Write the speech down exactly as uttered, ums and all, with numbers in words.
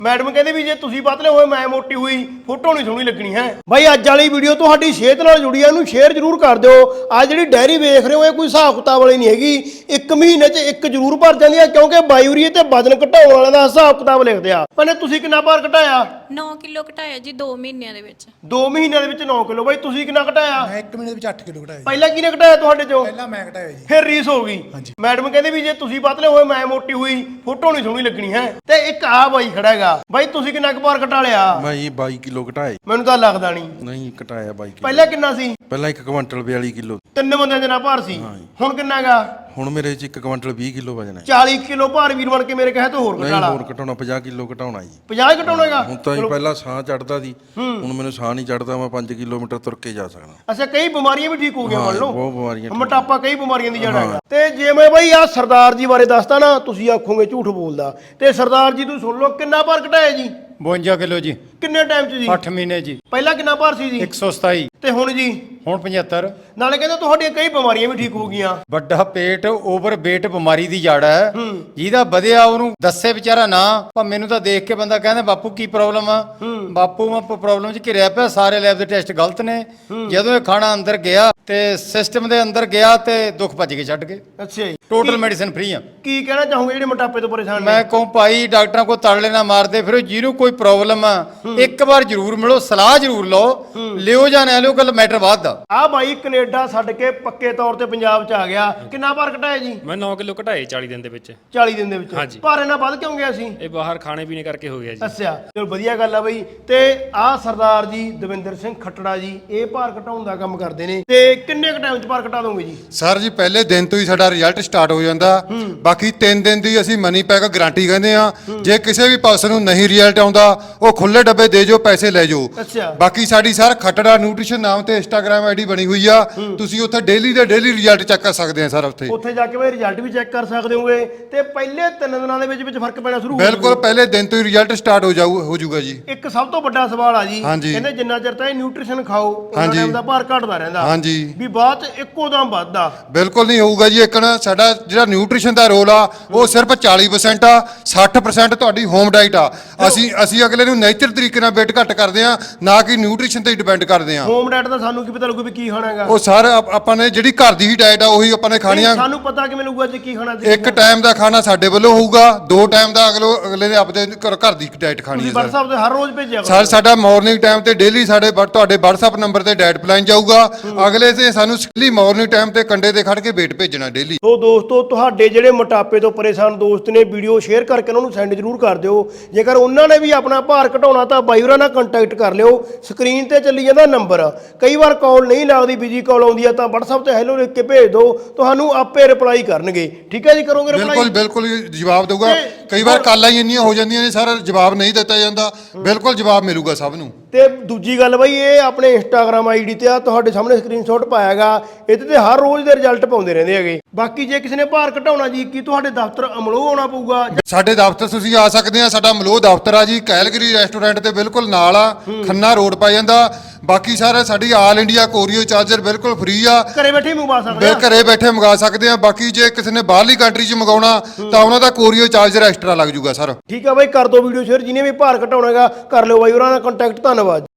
Madam ਕਹਿੰਦੇ ਵੀ ਜੇ ਤੁਸੀਂ ਪਤਲੇ ਹੋਏ ਮੈਂ ਮੋਟੀ ਹੋਈ ਫੋਟੋ ਨਹੀਂ ਸੋਹਣੀ ਲੱਗਣੀ ਹੈ। ਬਾਈ ਅੱਜ ਵਾਲੀ ਵੀਡੀਓ ਤੁਹਾਡੀ ਸਿਹਤ ਨਾਲ ਜੁੜੀ ਆ, ਇਹਨੂੰ ਸ਼ੇਅਰ ਜ਼ਰੂਰ ਕਰ ਦਿਓ। ਆ ਜਿਹੜੀ ਡੈਰੀ ਵੇਖ ਰਹੇ ਹੋ ਇਹ ਕੋਈ ਹਿਸਾਬ ਕਿਤਾਬ ਵਾਲੀ ਨਹੀਂ ਹੈਗੀ, ਇੱਕ ਮਹੀਨੇ 'ਚ ਇੱਕ ਜ਼ਰੂਰ ਭਰ ਜਾਂਦੀ ਆ ਕਿਉਂਕਿ ਬਾਇੂਰੀਏ ਤੇ ਵਜਨ ਘਟਾਉਣ ਵਾਲਿਆਂ ਦਾ ਹਿਸਾਬ ਕਿਤਾਬ ਲਿਖਦੇ ਆ। ਭੈਣੇ ਤੁਸੀਂ ਕਿੰਨਾ ਭਾਰ ਘਟਾਇਆ? ਨੌ ਕਿਲੋ ਘਟਾਇਆ ਜੀ ਦੋ ਮਹੀਨਿਆਂ ਦੇ ਵਿੱਚ। ਦੋ ਮਹੀਨਿਆਂ ਦੇ ਵਿੱਚ ਨੌ ਕਿਲੋ। ਬਾਈ ਤੁਸੀਂ ਕਿੰਨਾ ਘਟਾਇਆ? ਮੈਂ ਇੱਕ ਮਹੀਨੇ ਵਿੱਚ ਅੱਠ ਕਿਲੋ ਘਟਾਇਆ। ਪਹਿਲਾਂ ਕਿਹਨੇ ਘਟਾਇਆ ਤੁਹਾਡੇ ਚੋਂ? ਪਹਿਲਾਂ ਮੈਂ ਘਟਾਇਆ ਜੀ। ਫਿਰ ਰੀਸ ਹੋ ਗਈ। ਮੈਡਮ ਕਹਿੰਦੇ ਵੀ ਜੇ ਤੁਸੀਂ ਪਤਲੇ ਹੋਏ ਮੈਂ ਮੋਟੀ ਹੋਈ ਫੋਟੋ ਨਹੀਂ ਸੋਹਣੀ ਲੱਗਣੀ ਹੈ। ਤੇ ਇੱਕ ਆ ਬਾਈ ਖੜਾ ਹੈਗਾ, ਬਾਈ ਤੁਸੀਂ ਕਿੰਨਾ ਕੁ ਭਾਰ ਘਟਾ ਲਿਆ? ਮੈਂ ਜੀ ਬਾਈ ਕਿਲੋ ਘਟਾਏ। ਮੈਨੂੰ ਤਾਂ ਲੱਗਦਾ ਨਹੀਂ। ਨਹੀਂ ਘਟਾਇਆ ਬਾਈ ਕਿਲੋ। ਪਹਿਲਾਂ ਕਿੰਨਾ ਸੀ? ਪਹਿਲਾਂ ਇੱਕ ਕੁਇੰਟਲ ਬਿਆਲੀ ਕਿਲੋ। ਤਿੰਨ ਬੰਦਿਆਂ ਦੇ ਨਾਲ ਭਾਰ ਸੀ। ਹੁਣ ਕਿੰਨਾ ਹੈਗਾ? ਹੁਣ ਮੇਰੇ ਚ ਇੱਕ ਕੁਇੰਟਲ ਵੀਹ ਕਿਲੋ ਵਜਨ ਹੈ। ਚਾਲੀ ਕਿਲੋ ਭਾਰ ਵੀਰ ਬਣ ਕੇ ਮੇਰੇ ਕਹੇ ਤੋਂ ਹੋਰ ਨਹੀਂ ਘਟਾ ਲਾ। ਹੋਰ ਘਟਾਉਣਾ ਪੰਜਾਹ ਕਿਲੋ ਘਟਾਉਣਾ ਜੀ। ਪੰਜਾਹ ਘਟਾਉਣਾ ਹੈਗਾ? ਹੁਣ ਤਾਂ ਜੀ ਪਹਿਲਾਂ ਸਾਹ ਚੜਦਾ ਸੀ, ਹੁਣ ਮੈਨੂੰ ਸਾਹ ਨਹੀਂ ਚੜਦਾ, ਮੈਂ ਪੰਜ ਕਿਲੋਮੀਟਰ ਤੁਰ ਕੇ ਜਾ ਸਕਦਾ। ਅੱਛਾ, ਕਈ ਬਿਮਾਰੀਆਂ ਵੀ ਠੀਕ ਹੋ ਗਈਆਂ ਮੰਨ ਲਓ। ਬਹੁਤ ਬਿਮਾਰੀਆਂ। ਮੋਟਾਪਾ ਕਈ ਬਿਮਾਰੀਆਂ ਦੀ ਜੜ ਹੈਗਾ। ਤੇ ਜੇ ਮੈਂ ਬਾਈ ਆ ਸਰਦਾਰ ਜੀ ਬਾਰੇ ਦੱਸਦਾ ਨਾ ਤੁਸੀਂ ਆਖੋਗੇ ਝੂਠ ਬੋਲਦਾ। ਤੇ ਸਰਦਾਰ ਜੀ ਤੁਸੀਂ ਸੁਣ ਲਓ ਕਿੰਨਾ ਭਾਰ ਘਟਾਇਆ ਜੀ? ਬਵੰਜਾ ਕਿਲੋ ਜੀ। ਕਿੰਨੇ ਟਾਈਮ 'ਚ ਜੀ? ਅੱਠ ਮਹੀਨੇ ਜੀ। ਪਹਿਲਾਂ ਕਿੰਨਾ ਭਾਰ ਸੀ ਜੀ? ਇੱਕ ਸੌ ਸਤਾਈ। ਤੇ ਹੁਣ ਜੀ? ਹੁਣ ਪਝੱਤਰ। ਨਾਲੇ ਕਹਿੰਦੇ ਤੁਹਾਡੀਆਂ ਕਈ ਬਿਮਾਰੀਆਂ ਵੀ ਠੀਕ ਹੋ ਗਈਆਂ। ਵੱਡਾ ਪੇਟ ਓਵਰ ਵੇਟ ਬਿਮਾਰੀ ਦੀ ਜੜ ਹੈ, ਜਿਹਦਾ ਵਧਿਆ ਉਹਨੂੰ ਦੱਸੇ ਵਿਚਾਰਾ ਨਾ। ਪਰ ਮੈਨੂੰ ਤਾਂ ਦੇਖ ਕੇ ਬੰਦਾ ਕਹਿੰਦਾ ਬਾਪੂ ਕੀ ਪ੍ਰੋਬਲਮ ਆ? ਬਾਪੂ ਮੈਂ ਪ੍ਰੋਬਲਮ 'ਚ ਘਿਰਿਆ ਪਿਆ, ਸਾਰੇ ਲੈਬ ਦੇ ਟੈਸਟ ਗਲਤ ਨੇ। ਜਦੋਂ ਇਹ ਖਾਣਾ ਅੰਦਰ ਗਿਆ ਤੇ ਸਿਸਟਮ ਦੇ ਅੰਦਰ ਗਿਆ ਤੇ ਦੁੱਖ ਭੱਜ ਕੇ ਛੱਡ ਗਏ। ਅੱਛਾ ਜੀ। ਟੋਟਲ ਮੈਡੀਸਿਨ ਫ੍ਰੀ ਆ। ਕੀ ਕਹਿਣਾ ਚਾਹੋਗੇ ਜਿਹੜੇ ਮੋਟਾਪੇ ਤੋਂ ਪਰੇਸ਼ਾਨ ਨੇ? ਮੈਂ ਕਹੂੰ ਭਾਈ ਡਾਕਟਰਾਂ ਕੋਲ ਤੜਲੇ ਨਾ ਮਾਰਦੇ ਫਿਰੋ, ਜਿਹਨੂੰ ਕੋਈ ਪ੍ਰੋਬਲਮ ਆ ਇੱਕ ਵਾਰ ਜ਼ਰੂਰ ਮਿਲੋ, ਸਲਾਹ ਜ਼ਰੂਰ ਲਓ, ਲਿਓ ਜਾਂ ਨਾ ਲਿਓ, ਗੱਲ ਮੈਟਰ ਬਾਅਦ ਦਾ। ਆ ਬਾਈ ਕੈਨੇਡਾ ਛੱਡ ਕੇ ਪੱਕੇ ਤੌਰ ਤੇ ਪੰਜਾਬ 'ਚ ਆ ਗਿਆ। ਕਿੰਨਾ ਭਾਰ ਘਟਾਇਆ ਜੀ? ਮੈਂ ਨੌ ਕਿਲੋ ਘਟਾਏ ਚਾਲੀ ਦਿਨ ਦੇ ਵਿੱਚ। ਚਾਲੀ ਦਿਨ ਦੇ ਵਿੱਚ? ਹਾਂਜੀ। ਭਾਰ ਇਹਨਾਂ ਵੱਧ ਕਿਉਂ ਗਿਆ ਸੀ? ਇਹ ਬਾਹਰ ਖਾਣੇ ਪੀਣੇ ਕਰਕੇ ਹੋ ਗਿਆ ਜੀ। ਅੱਛਾ, ਚਲੋ ਵਧੀਆ ਗੱਲ ਆ ਬਈ। ਤੇ ਆ ਸਰਦਾਰ ਜੀ ਦਵਿੰਦਰ ਸਿੰਘ ਖੱਟੜਾ ਜੀ ਇਹ ਭਾਰ ਘਟਾਉਣ ਦਾ ਕੰਮ ਕਰਦੇ ਨੇ। ਤੇ ਕਿੰਨੇ ਕ ਟਾਈਮ 'ਚ ਭਾਰ ਘਟਾ ਦੋਗੇ ਜੀ? ਸਰ ਜੀ ਪਹਿਲੇ ਦਿਨ ਤੋਂ ਹੀ ਸਾਡਾ ਰਿਜ਼ਲਟ ਸਟਾਰਟ ਹੋ ਜਾਂਦਾ। ਬਾਕੀ ਤਿੰਨ ਦਿਨ ਦੀ ਅਸੀਂ ਮਨੀ ਪੈਕ ਗਾਰੰਟੀ ਕਹਿੰਦੇ ਆ। ਜੇ ਕਿਸੇ ਵੀ ਪਰਸਨ ਨੂੰ ਨਹੀਂ ਰਿਜ਼ਲਟ ਆਉਂਦਾ ਉਹ ਖੁੱਲੇ ਡੱਬੇ ਦੇ ਜੋ, ਪੈਸੇ ਲੈ ਜਾਓ। ਅੱਛਾ। ਬਾਕੀ ਸਾਡੀ ਸਰ ਖੱਟੜਾ ਨਿਊਟ੍ਰੀਸ਼ਨ ਨਾਮ ਤੇ ਇੰਸਟਾਗ੍ਰam ਆਈਡੀ ਬਣੀ ਹੋਈ ਆ, ਤੁਸੀਂ ਉੱਥੇ ਡੇਲੀ ਦੇ ਡੇਲੀ ਰਿਜ਼ਲਟ ਚੈੱਕ ਕਰ ਸਕਦੇ ਆ ਸਰ। ਉੱਥੇ ਉੱਥੇ ਜਾ ਕੇ ਬਈ ਰਿਜ਼ਲਟ ਵੀ ਚੈੱਕ ਕਰ ਸਕਦੇ ਹੋਗੇ। ਤੇ ਪਹਿਲੇ ਤਿੰਨ ਦਿਨਾਂ ਦੇ ਵਿੱਚ ਵਿੱਚ ਫਰਕ ਪੈਣਾ ਸ਼ੁਰੂ ਹੋ ਬਿਲਕੁਲ ਪਹਿਲੇ ਦਿਨ ਤੋਂ ਹੀ ਰਿਜ਼ਲਟ ਸਟਾਰਟ ਹੋ ਜਾਊ ਹੋ ਜਾਊਗਾ ਜੀ। ਇੱਕ ਸਭ ਤੋਂ ਵੱਡਾ ਸਵਾਲ ਆ ਜੀ, ਹਾਂਜੀ। ਕਹਿੰਦੇ ਜਿੰਨਾ ਚਿਰ ਤਾਂ ਇਹ ਨਿਊਟ੍ਰੀਸ਼ਨ ਖਾਓ ਉਹਨਾਂ ਹਾਂਜੀ। ਟਾਈਮ ਦਾ ਭਾਰ ਘਟਦਾ ਰਹਿੰਦਾ। ਹਾਂਜੀ। ਵੀ ਬਾਅਦ 'ਚ ਇੱਕੋ ਦਮ ਵੱਧਦਾ। ਬਿਲਕੁਲ ਨਹੀਂ ਹੋਊਗਾ ਜੀ। ਇੱਕ ਨਾ ਸਾਡਾ ਜਿਹੜਾ ਨਿਊਟ੍ਰੀਸ਼ਨ ਦਾ ਰੋਲ ਆ ਉਹ ਸਿਰਫ ਚਾਲੀ ਪਰਸੈਂਟ ਆ, ਸੱਠ ਪਰਸੈਂਟ ਤੁਹਾਡੀ ਹੋਮ ਡਾਈਟ ਆ। ਅਸੀਂ ਅਸੀਂ ਅਗਲੇ ਨੂੰ ਨੇਚਰ ਤਰੀਕੇ ਨਾਲ ਵੇਟ ਘੱਟ ਕਰਦੇ ਆ, ਨਾ ਕਿ ਨਿਊਟ੍ਰੀਸ਼ਨ ਤੇ ਡਿਪੈਂਡ ਕਰਦੇ ਆ। ਹੋਮ ਡਾਈਟ ਦਾ ਸਾਨੂੰ ਕੀ ਪਤਾ ਲੱਗੂ ਵੀ ਕੀ ਖਾਣਾ ਹੈਗਾ? ਉਹ ਸਰ ਆਪਾਂ ਨੇ ਜਿਹੜੀ ਘਰ ਦੀ ਹੀ ਡਾਈਟ ਆ ਉਹੀ ਆਪਾਂ ਨੇ ਖਾਣੀ ਆ। ਸਾਨੂੰ ਪਤਾ ਕਿਵੇਂ ਲੱਗੂਗਾ ਜੇ ਕੀ ਖਾਣਾ ਸੀ? ਇੱਕ ਟਾਈਮ ਦਾ ਖਾਣਾ ਸਾਡੇ ਵੱਲੋਂ ਹੋਊਗਾ, ਦੋ ਟਾਈਮ ਦਾ ਅਗਲੇ ਅਗਲੇ ਨੇ ਆਪਦੇ ਘਰ ਘਰ ਦੀ ਡਾਈਟ ਖਾਣੀ ਤੁਸੀਂ ਹੈ ਸਰ। WhatsApp ਤੇ ਹਰ ਰੋਜ਼ ਭੇਜਿਆ ਕਰੋ। ਸਰ ਸਾਡਾ ਮਾਰਨਿੰਗ ਟਾਈਮ ਤੇ ਡੇਲੀ ਸਾਡੇ ਵ- ਤੁਹਾਡੇ WhatsApp ਨੰਬਰ ਤੇ ਡਾਈਟ ਪਲਾਨ ਜਾਊਗਾ। ਅਗਲੇ ਤੇ ਸਾਨੂੰ ਸਿੱਧੀ ਮਾਰਨਿੰਗ ਟਾਈਮ ਤੇ ਕੰਡੇ ਤੇ ਖੜ ਕੇ ਵੇਟ ਭੇਜਣਾ ਡੇਲੀ। ਸੋ ਦੋਸਤੋ ਤੁਹਾਡੇ ਜਿਹੜੇ ਮੋਟਾਪੇ ਤੋਂ ਪਰੇਸ਼ਾਨ ਦੋਸਤ ਨੇ ਵੀਡੀਓ ਸ਼ੇਅਰ ਕਰਕੇ ਉਹਨਾਂ ਨੂੰ ਸੈਂਡ ਜ਼ਰੂਰ ਕਰ ਦਿਓ। ਜੇਕਰ ਉਹਨਾਂ ਨੇ ਵੀ ਆਪਣਾ ਭਾਰ ਘਟਾਉਣਾ ਤਾਂ ਬਾਈ ਹੋਰਾਂ ਨਾਲ ਕੰਟੈਕਟ ਕਰ ਲਿਓ। ਸਕਰੀਨ ਤੇ ਚੱਲੀ ਜਾਂਦਾ ਨੰਬਰ। ਕਈ ਵਾਰ ਕਾਲ ਨਹੀਂ ਲੱਗਦੀ, ਬਿਜੀ ਕਾਲ ਆਉਂਦੀ ਆ ਤਾਂ WhatsApp ਤੇ ਹੈਲੋ ਲਿਖ ਕੇ ਭੇਜ ਦਿਓ, ਤੁਹਾਨੂੰ ਆਪੇ ਰਿਪਲਾਈ ਕਰਨਗੇ। ਠੀਕ ਹੈ ਜੀ, ਕਰੋਗੇ ਰਿਪਲਾਈ? ਬਿਲਕੁਲ ਬਿਲਕੁਲ ਜਵਾਬ ਦਊਗਾ। ਕਈ ਵਾਰ ਕਾਲਾਂ ਹੀ ਇੰਨੀਆਂ ਹੋ ਜਾਂਦੀਆਂ ਨੇ ਸਰ ਜਵਾਬ ਨਹੀਂ ਦਿੱਤਾ ਜਾਂਦਾ। ਬਿਲਕੁਲ ਜਵਾਬ ਮਿਲੂਗਾ ਸਭ ਨੂੰ। ਤੇ ਦੂਜੀ ਗੱਲ ਬਈ ਇਹ ਆਪਣੇ ਇੰਸਟਾਗ੍ਰam ਆਈਡੀ ਤੇ ਆ ਤੁਹਾਡੇ ਸਾਹਮਣੇ ਸਕਰੀਨਸ਼ਾਟ ਪਾਇਆਗਾ, ਇਹਦੇ ਤੇ ਹਰ ਰੋਜ਼ ਦੇ ਰਿਜ਼ਲਟ ਪਾਉਂਦੇ ਰਹਿੰਦੇ ਹੈਗੇ। ਬਾਕੀ ਜੇ ਕਿਸੇ ਨੇ ਭਾਰ ਘਟਾਉਣਾ ਜੀ ਕੀ ਤੁਹਾਡੇ ਦਫ਼ਤਰ ਅਮਲੋਹ ਆਉਣਾ ਪਊਗਾ? ਸਾਡੇ ਦਫ਼ਤਰ ਤੁਸੀਂ ਆ ਸਕਦੇ ਆ। ਸਾਡਾ ਮਲੋਹ ਦਫ਼ਤਰ ਆ ਜੀ, ਕੈਲਗਰੀ ਰੈਸਟੋਰੈਂਟ ਦੇ ਬਿਲਕੁਲ ਨਾਲ ਆ, ਖੰਨਾ ਰੋਡ ਪੈ ਜਾਂਦਾ। ਬਾਕੀ ਸਾਰੇ ਸਾਡੀ ਆਲ ਇੰਡੀਆ ਕੋਰੀਅਰ ਚਾਰਜਰ ਬਿਲਕੁਲ ਫ੍ਰੀ ਆ, ਘਰੇ ਬੈਠੇ ਮੰਗਵਾ ਸਕਦੇ ਆ। ਘਰੇ ਬੈਠੇ ਮੰਗਾ ਸਕਦੇ ਆ। ਬਾਕੀ ਜੇ ਕਿਸੇ ਨੇ ਬਾਹਰਲੀ ਕੰਟਰੀ 'ਚ ਮੰਗਾਉਣਾ ਤਾਂ ਉਹਨਾਂ ਦਾ ਕੋਰੀਅਰ ਚਾਰਜਰ ਐਕਸਟਰਾ ਲੱਗ ਜੂਗਾ ਸਰ। ਠੀਕ ਆ ਬਾਈ, ਕਰ ਦਿਓ ਵੀਡੀਓ ਸ਼ੇਅਰ। ਜਿਹਨੇ ਵੀ ਭਾਰ ਘਟਾਉਣਾ ਹੈਗਾ ਕਰ ਲਿਓ ਬਾਈ ਉਹਨਾਂ ਨਾਲ ਕੰਟੈਕਟ। ਧੰਨਵਾਦ।